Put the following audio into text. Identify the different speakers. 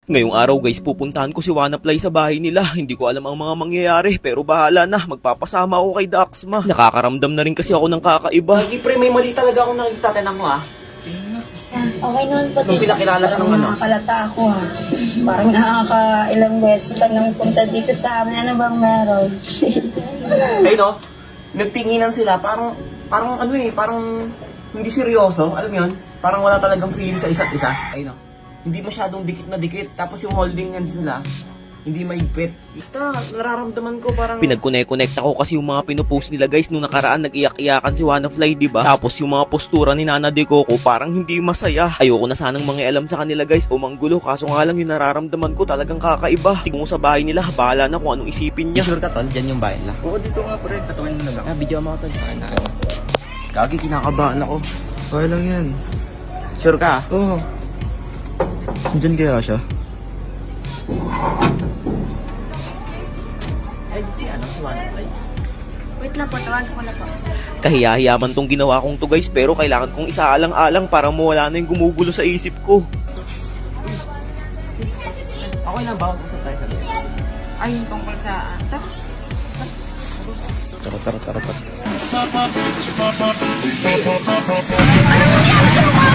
Speaker 1: Ngayong araw guys, pupuntahan ko si Wannaplay sa bahay nila. Hindi ko alam ang mga mangyayari, pero bahala na. Magpapasama ako kay Daxma. Nakakaramdam na rin kasi ako ng kakaiba.
Speaker 2: Lagi pre, may mali talaga akong nakikita. Tinan mo ah.
Speaker 3: Okay naman po.
Speaker 2: Nung pinakilala siya ng ano?
Speaker 3: Nakakalata ako ha. Parang nakaka-ilang beses ka nang punta dito sa amin. Ano bang meron?
Speaker 2: Ay no, nagtinginan sila. Parang parang hindi seryoso. Alam mo yun? Parang wala talagang feeling sa isa't isa. Ay no, hindi masyadong dikit na dikit. Tapos yung holding hands nila, hindi maigpit. Basta, nararamdaman ko parang...
Speaker 1: Pinag-connect ako kasi yung mga pinupost nila guys nung nakaraan nag-iyak-iyakan si Wannaplay, diba? Tapos yung mga postura ni Nana De Coco parang hindi masaya. Ayoko na sanang mangialam sa kanila guys o manggulo, kaso nga lang yung nararamdaman ko talagang kakaiba. Tingnan mo sa bahay nila, bahala na kung anong isipin niya.
Speaker 2: Sure ka tol, dyan yung bayan lang.
Speaker 4: Oo, dito nga pre. Katawin mo na lang.
Speaker 2: Video mo tol. Kagi, kinakabahan ako.
Speaker 4: Okay lang yan.
Speaker 2: Sure ka?
Speaker 4: Oo. Diyan kaya siya?
Speaker 2: Ay, si Wannaplay.
Speaker 3: Wait lang po, tawagin ko na po.
Speaker 1: Kahiyahiyaman tong ginawa kong to guys, pero kailangan kong isaalang-alang para mawala na yung gumugulo sa isip ko.
Speaker 2: Okay lang ba? Usap tayo sa loob.
Speaker 3: Ay, yung tungkol sa...
Speaker 4: Tara.
Speaker 3: Ano nangyari sa mukha